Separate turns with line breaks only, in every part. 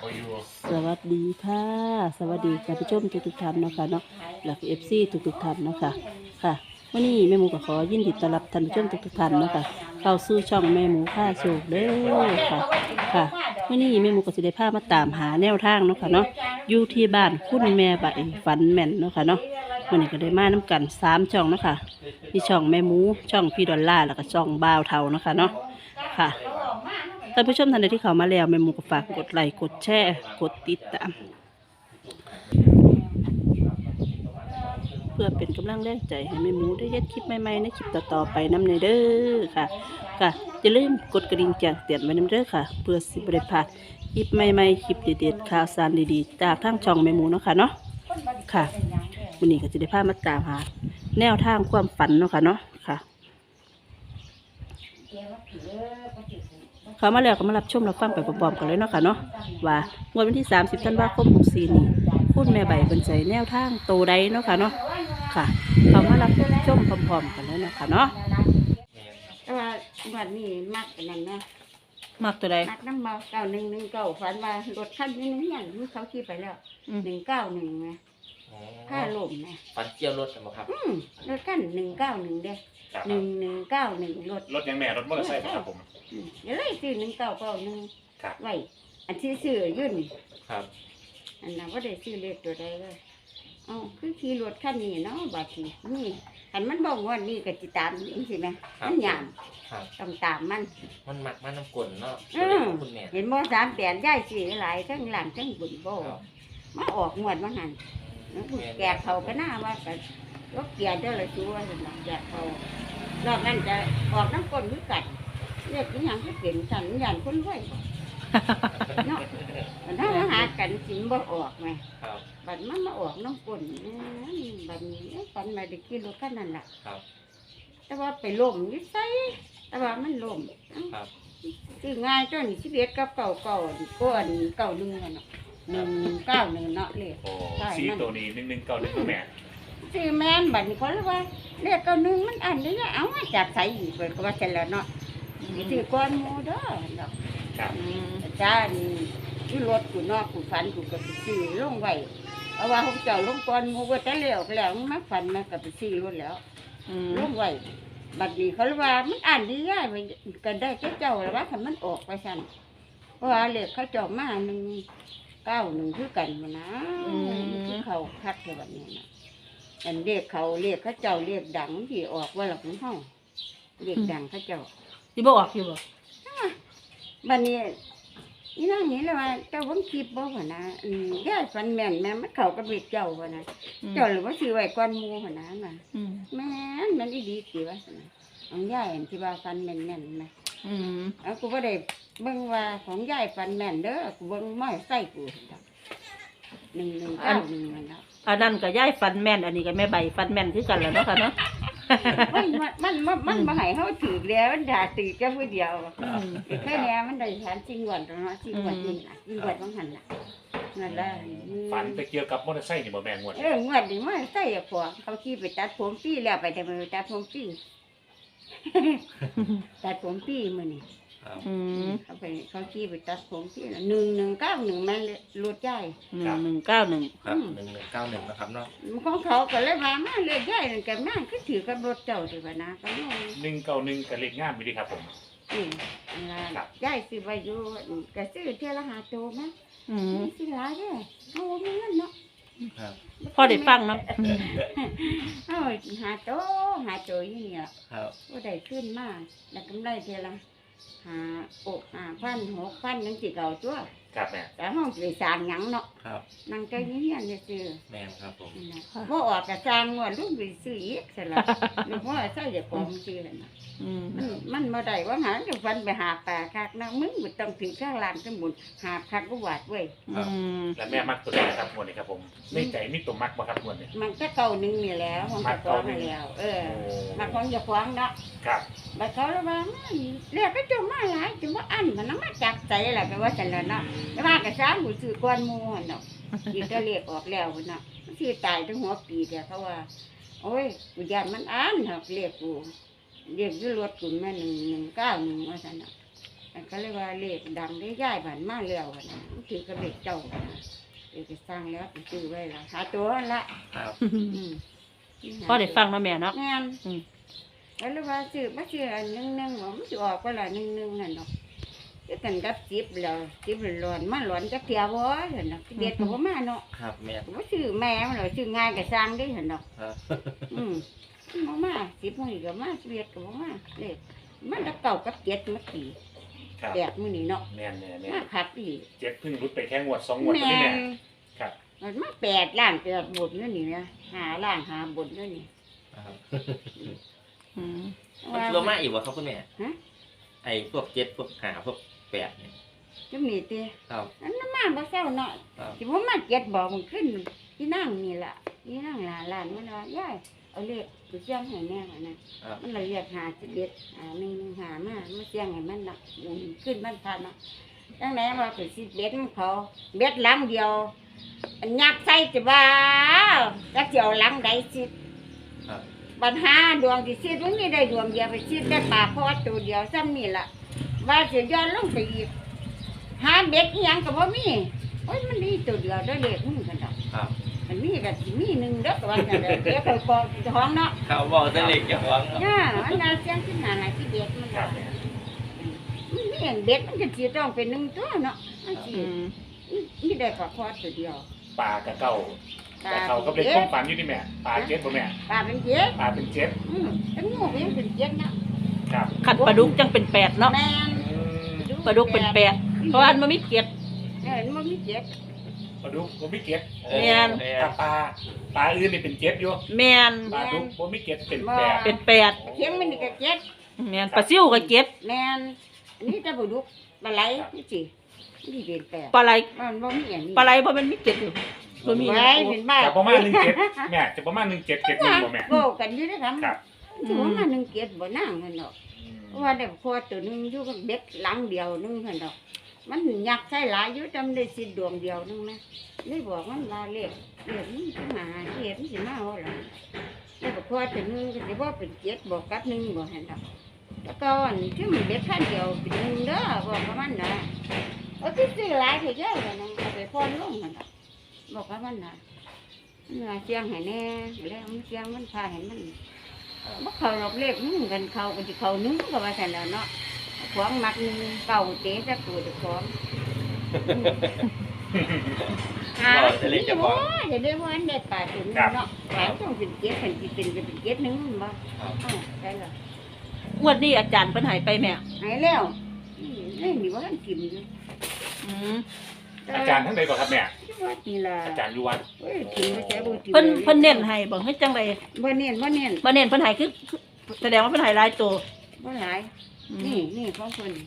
ก็อยู่
สวัสดีค่ะสวัสดีท่านผู้ชมทุกท่านเนาะค่ะเนาะหลักFC ทุกท่านเนาะค่ะค่ะวันนี้แม่หมูก็ขอยินดีต้อนรับท่านผู้ชมทุกท่านเนาะค่ะเข้าสู่ช่องแม่หมูผ้าโชคเด้อค่ะค่ะวันนี้แม่หมูก็สิได้พามาตามหาแนวทางเนาะค่ะเนาะอยู่ที่บ้านคุณแม่ใบฝันแม่นเนาะค่ะเนาะวันนี้ก็ได้มาน้ำกัน3ช่องเนาะค่ะมีช่องแม่หมูช่องพี่ดอลล่าแล้วก็ช่องบ่าวเทาเนาะค่ะเนาะค่ะ ท่านผู้ชมท่านใดที่เข้ามาแล้วแม่หมูก็ฝากกดไลค์กดแชร์กดติดตามเพื่อเป็นกำลังแรงใจให้แม่หมูได้เฮ็ดคลิปใหม่ๆในคลิปต่อๆไปนำในเด้อค่ะค่ะอย่าลืมกดกระดิ่งแจ้งเตือนไว้นำเด้อค่ะเพื่อสิบ่ได้พลาดคลิปใหม่ๆคลิปเด็ดๆข่าวสารดีๆจากทางช่องแม่หมูเนาะค่ะเนาะค่ะวันนี้ก็จะได้พามาตามหาแนวทางความฝันเนาะค่ะเนาะค่ะเขามาแล้วก็มารับชมรับฟังไปพร้อมๆกันเลยเนาะค่ะเนาะว่างวดวันที่30 ธันวาคม 64นี้คุณแม่ใบเป็นใจแนวทางโตใดเนาะค่ะเนาะค่ะเขามารับชมพร้อมๆกันเลยเนาะค่ะเนาะ
แต่ว่าวันนี้มักอันนั้นนะ
มักตัวใด
มักน้ำเมา9119ฝันว่ารถคันนี้เนี่ยมันเขาขี่ไปแล้ว191นะค่าลมนะ
ฟันเกี่ยวรถใช่ไหมครับ
รถคัน191เด้1191รถ
ยังแม่รถมอเตอร์ไซค์ครับผม
เดี๋ยวเลยซื้อ1991
ครับ
ไว้อันที่ซื้ออยู่นี่
ครับ
อันนั้นบ่ได้ซื้อเลขตัวใดเลยเอ้าคือขี่รถคันนี้เนาะบาดนี้นี่คันมันบอกว่านี่ก็สิตามจังซี่แม่มันยาม
ครับ
ต้องตามมัน
มันมักมันน้ำกลนเนาะ คุณแม่
เห็นบ่38ย่ายสิหลายทั้งหลังทั้งบุญบ่
ครับ
มาออกงวดว่าหั่นแกะเขาก็น่าว่าก็รถเกียร์เด้อละชัวซั่นน่ะแกะเขารอบนั้นจะออกน้ำก้นคือกันเรียกอีหยังคือเป็นสันญาณคนรวยบ่เนาะมันถ้าหากันสิบ่ออกแม่
ครับ
บัดมันมาออกน้ำก้นบัดนี้ฝันมาได้ขี่รถคันนั้นล่ะ
ครับ
แต่ว่าไปล้มอยู่ไสแต่ว่ามันล้ม
ครับ
คือง่ายจน11กับเก่าก้อน91เนาะ191เนาะเลข
โอ้สี่ตัวนี้191แม่
ซื้อแม่นบัดนี้เขาเลยว่าเลข91มันอันนี้เอามาจากไสอีกเพิ่นก็ว่าซั่นแหล้วเนาะสิซื้อก้อนหมู่เด้อดอก
ครับ
อาจารย์อยู่รถกูเนาะกูฝันกูก็ไปซื้อลงไว้เอาว่าเขาเจ้าลงก้อนหมู่ว่าแต่แล้วมาฝันมาก็ไปซื้อรถแล้วลงไว้บัดนี้เขาเลยว่ามันอ่านดีง่ายไปกันได้เจ้าแล้วว่าคันมันออกไปซั่นเพราะว่าเลขเขาเจ้ามา191คือกันมานะคือเขาคักแค่บัดนี้นะอันเลขเขาเจ้าเลขดังที่ออกว่าหลักของเฮาเลขดังเขาเจ้า
สิบ่ออกอยู่บ่
บัดนี้นี่นั่งนี่เลยว่าเจ้าผมคิดบ่ว่านะย่ายฟันแม่นแม่มันเข้ากับเบ็ดเจ้าว่านะเจ้าหรือว่าซื้อไว้ก่อนหมู่ว่านะน่ะแม่นมันอีดีสิว่าซั่นน่ะของย่ายอันที่ว่าฟันแม่นๆนะเอากูบ่ได้เบิ่งว่าของย่ายฟันแม่นเด้อกูเบิ่งม้อยใส่กู1191นั่นล่ะ
อันนั้นก็ย้ายฟันแม่นอันนี้ก็แม่ใบฟันแม่นคือกันแหล้วเนาะค่ะเนาะ
มันบ่ให้เฮาถือแล้วมันด่าตือแค่ผู้เดียวแค่เนี้ยมันได้ฐานจริงก่อนเนาะจริงก่อนนี่ล่ะจริงก่อนของหันล่ะนั่นล่ะ
ฝันไปเกี่ยวกับมอเตอร์ไซค์นี่บ่แม่งวด
งวดนี้มันใส่พวกเขาขี่ไปตัดผมปี้แล้วไปแต่มือตัดผมปี้ ตัดผมปี้มื้อนี้
ครับ
เขาขี่ไปตัดผมปี้แล้ว1191มันรถใหญ่
1191
ครับ1191นะครับเนาะ
ของเขาก็เลยว่ามาเลยใหญ่นั่นก็มาคือถือกับรถเจ้าสิว่านะก็น้อย
191กับเลขงามอยู่ดีครับผม
อันละใหญ่สิไว้อยู่ก็ซื้อเท่าละ5โตมั้ยสิหลายเด้อเอาบ่มีเงินเนาะ
ครับ
พอได้ฟังเนาะ
เอาหาโตอยู่นี่ล่ะ
ครับ
บ่ได้ขึ้นมาแล้วกำไรเท่าละ5,000 6,000จังสิเก่าตัว
ครับแม่
แต่ห้องสิสร้างหยังเนาะ
ครับ
นั่งใจเงียบๆซื่อ
แม่นครับผม
นั่นน่ะบ่ออกก็สร้างงวดลูกไปซื้ออีกซั่นล่ะลูกว่าใส่เดี๋ยวของซื้อนั่นน่ะมันบ่ได้ว่าหาจะฟันไปหาปลาคักนะมึงบ่ต้องถึงข้างลานสมุนหาคักก็หวาดเว้ย
แล้วแม่มักตัวใดครับงวดนี้ครับผมในใจมีตัวมักบ่ครับงวดนี้
มันก็เก่าหนึงนี่แหล้วของเจะฟ้าของแล้ว มาของเจะฟ้าของเนาะ
ครับ
บัดเขาเลยว่าเรียกก็จมมาหลายจนว่าอันมันนำมาจากใจล่ะก็ว่าซั่นล่ะเนาะแต่ว่าก็ซ้ำหูซื้อก่อนหมู่หั่นเนาะอีกก็เรียกออกแล้วพุ่นเนาะมันสิตายถึงหัวปีแต่เขาว่าโอ้ยกูย่านมันอันหักเรียกกูเรียกอยู่รถกูแม่191ว่าซั่นเนาะอันก็เลยว่าเลขดังได้ย้ายบ้านมาแล้วนะมันถือกับเลขเจ้านะเลขสร้างแล้วซื้อไว้ละหาตัวนั่นละ
ครับ
อืม
พอได้ฟังมาแม่เนาะ
งาน
อืม
แล้วเลยว่าซื้อมาซื้ออันนึงว่ามันสิออกก็ละนึงนั่นเนาะจะกันกับจิบแล้วจิบร้อนมาร้อนจักเที่ยวบ่เห็นเนาะเด็ดก็บ่มาเนาะ
ครับแม่
ก็บ่ซื้อแม่มันเลยซื้อง่ายก็สร้างได้เห็นเนาะ
ครับ
บ่มา10มื้อก็มา11ก็บ่มาเลขมันตะเก่ากับ7มาตี
ครับ
แปดมื้อนี้เนาะ
แม่น
มาคักอีก
เจ็ดเพิ่งรุดไปแค่งวด2งวด
แม่
นี่แม่
น
ครับ
มันมา8ล้าน8บทนั่นนี่นะ5ล้าน5บทนั่นนี่
ครับ
อืม
มันรวมมาอีกวะครับคุณแม่
ฮะ
ไอ้พวก7พวก5พวก8เนี่ย
จังนี่ติ
ครับ
อันนั้นมาบ่เซาเนาะ
ครับ
สิบ่มา7บ่มันขึ้นที่นั่งนี่ล่ะที่นั่งหลานมันว่ายายเอาเลขไปเสี่ยงให้แน่ว่านะครับ มันละเอียด511หามาเสี่ยงให้มันน่ะขึ้นมันทันเนาะจังไหนว่าไปสิเบ็ดมันเขาเบ็ดหลังเดียวอันยักใส่จะว่าจักสิเอาหลังใดสิ
ครับ
ปัญหาดวงที่ซีดมันไม่ได้ดวงเดียวไปซีดได้ปลาเพราะว่าตัวเดียวซ้ำนี่ล่ะว่าจะย้อนลงไปอีกหาเบ็ดอีหยังก็บ่มีโอ้ยมันมีตัวเดียวได้เลขมึงกันดอก
ครับ
มันมีก็สิมีหนึ่งเด้อก็ว่าจังได๋เดี๋ยวไปกองท้องเนาะ
เขาบอกจะเล็กจะหวังครับ
ย่าอันนั้นเสียงขึ้นหน้าหลายที่เบ็ดมัน
ครั
ว่า
บแม่
มันมีอันเบ็ดมันก็สิต้องเป็นหนึ่งตัวเนาะมันสิ
อืม
มีได้ปลาคอตัวเดียว
ปลากระเก่า แต่เขาก็เป็นความฝันอยู่นี่แม่ปลาเจ็ดบ่แม่
ปลาเป็นเจ็ด
ปลาเป็นเจ็ด
แต่งูก็ยังเป็นเจ็ดเนาะ
ครับ
ขัดปลาดุกจังเป็นแปดเนาะ
แม่น
ปลาดุกเป็นแปดเพราะว่ามันมีเกล็ด
มันมีเจ็ด
ปลาดุกบ่มีเจ็ด
แม่น
ถ้าปลาอื่นนี่เป็นเจ็ดอยู่
แมน
ปลาดุกบ่มีเจ็ดเป็นแปด
เป็นแปด
เข็มมันนี่ก็เจ็ด
แมนปลาซิ่วก็เจ็ด
แม่นนี่จะบุดุกปลาไหลนี่สินี่เป็นแปด
ปลาไหล
มันบ่มีอย่างนี้
ปลาไหลเพราะมันมีเกล็ดอยู่บ่มี
ไว้เป็นบ้า
จะประมาณ17แม่จะประมาณ17 7 1บ่แม่
โกกันอยู่นะครับ
ครับ
ถือว่ามาหนึ่งเกียรติบ่นั่งกันดอกเพราะว่าได้คอตัวหนึงอยู่กับเด็กหลังเดียวนึงกันดอก มันยักษ์ใช้หลายอยู่จำได้สิดวงเดียวนึงนะนี่บอกมันว่าเลขมันสิมาเกียรติมันสิมาว่าล่ะได้บอกคอตัวหนึงก็สิบ่เป็นเกียรติบอกกับหนึงบ่หั่นดอกแล้วก็อันที่มันเด็กขั้นเดียวเป็นหนึงเด้อบอกกับมันนะเอาที่ซื้อหลายเถอะเจ้าเลยนะเอาไปพรลงกันดอกบอกกับมันนะมันว่าเสียงให้แน่แล้วมันเสียงมันพาให้มันบ่เข้าหรอกเลขมึงกันเข้าก็สิเข้าหนึงก็ว่าซั่นแหล้วเนาะของมักหนึงเก่าเตะจะกูจะของจะเล่นจะบอกจะได้ว่าอันได้ปลาตัวนึงเนาะปลาต้องเป็นเจ็ดเป็นสิเป็นจะเป็นเจ็ดหนึงมันบ่ได้แล้ว
งวดนี้อาจารย์เพิ่นใหายไปแม่
หายแล้วนี่ว่าท่านกินอยู่
อืม
อาจารย์ท่านใดก่อนครับแม่
ว่านี่ล่ะ
อาจารย์อยู่วัด
เอ้ยกินบ่ใช่บ่กิน
เพิ่นเน้นให้บ่เฮ็ดจังได
บ่เน้นบ่เน้น
บ่เน้นเพิ่นใหายคือแสดงว่าเพิ่นใหายหลายตัว
บ่หลาย
อืม
นี่ของเพิ่น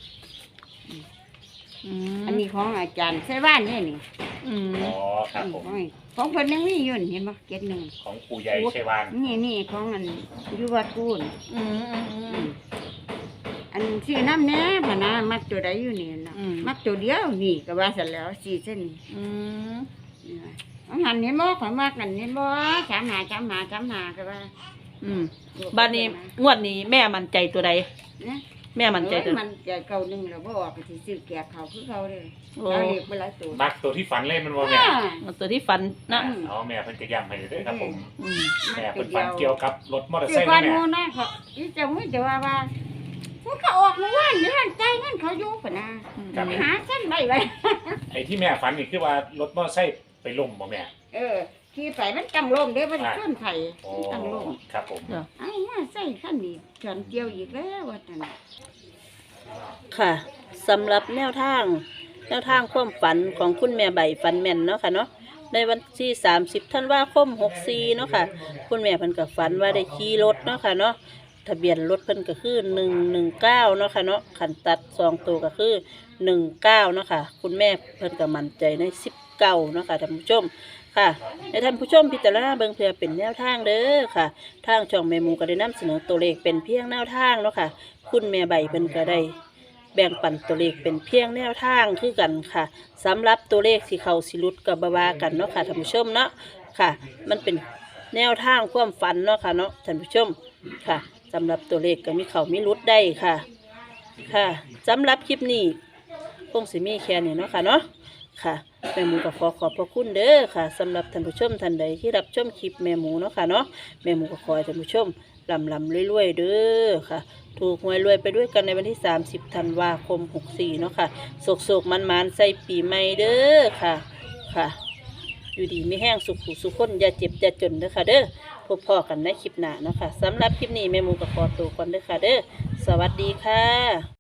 อืม
อันนี้ของอาจารย์ใส่บ้านนี่นี่
อืม
อ๋อครับผม
ของเพิ่นยังมีอยู่นี่เห็นบ่เจ็ดหนึง
ของปู่ใหญ่ชัยวาน
นี่ของอันอยู่วัดกูน
อืมอืมอืม
อันซื้อน้ำแหน่พะนะมักตัวใดอยู่นี่นะ
อืม
มักตัวเดียวนี่ก็ว่าซั่นแล้วสี่เส้น
อืม
นี่ว่าเอาหันเห็นบ่ข่อยมักกันเห็นบ่สามหาก็ว่า
อืมบัดนี้งวดนี้แม่มั่นใจตัวใด
นะ
แม่มั่นใจตัว
มันใจเก่าหนึงแล้วบ่ออกก็สิซื้อแก่เขาคือเขาเด้อ
โอ้
เอาเรียกไปหลายตัว
มักตัวที่ฝันเล่นมันบ่แม่
เอาตัวที่ฝันนะ
อ๋อแม่เพิ่นก็ย้ำให้เด้อครับผม
อืม
แม่เพิ่นฝันเกี่ยวกับรถมอเตอร์
คื
ไซ
อ
ค์
ก่อ
นะ
น
แม่
หมู่นะเขาที่จะมึงจะว่ามันเขาออกเมื่อวานนี่หันใจนั่นเขาอยู่ปะนะหาเส้นไว้
ไอ้ที่แม่ฝันนี่คือว่ารถมอเตอร์ไซค์ไปล้มบ่แม่
ขี่ไปมันจังลมเด้มันชนไผ
โอ้
จังลม
ครับผม
ไอ้มาใส่ขั้นนี้จนเกี่ยวอีกแล้วว่าจัง
ค่ะสำหรับแนวทางความฝันของคุณแม่ใบฝันแม่นเนาะค่ะเนาะในวันที่30ธันวาคม64เนาะค่ะคุณแม่เพิ่นก็ฝันว่าได้ขี่รถเนาะค่ะเนาะทะเบียนรถเพิ่นก็คือ119เนาะค่ะเนาะขันตัด2ตัวก็คือ19เนาะค่ะคุณแม่เพิ่นก็มั่นใจใน19เนาะค่ะท่านผู้ชมค่ะในท่านผู้ชมพิจารณาเบิ่งเพื่อเป็นแนวทางเด้อค่ะทางช่องแม่หมูก็ได้นำเสนอตัวเลขเป็นเพียงแนวทางเนาะค่ะคุณแม่ใบเพิ่นก็ได้แบ่งปันตัวเลขเป็นเพียงแนวทางคือกันค่ะสำหรับตัวเลขสิเข้าสิหลุดก็บ่ว่ากันเนาะค่ะท่านผู้ชมเนาะค่ะ มันเป็นแนวทางความฝันเนาะค่ะเนาะท่านผู้ชมค่ะสำหรับตัวเลขก็มีเข้ามีหลุดได้ค่ะค่ะสำหรับคลิปนี้คงสิมีแค่นี้เนาะค่ะเนาะค่ะแม่หมูก็ขอบพระคุณเด้อค่ะสำหรับท่านผู้ชมท่านใดที่รับชมคลิปแม่หมูเนาะค่ะเนาะแม่หมูก็ขอให้ท่านผู้ชมลำรวยๆเด้อค่ะถูกหวยรวยไปด้วยกันในวันที่30 ธันวาคม 64เนาะค่ะโศกๆมันๆใส่ปีใหม่เด้อค่ะค่ะอยู่ดีไม่แห้งสุขคนอย่าเจ็บอย่าจนเด้อค่ะเด้อพบพ่อกันในคลิปหน้าเนาะค่ะสำหรับคลิปนี้แม่หมูก็ขอตัวก่อนเด้อค่ะเด้อสวัสดีค่ะ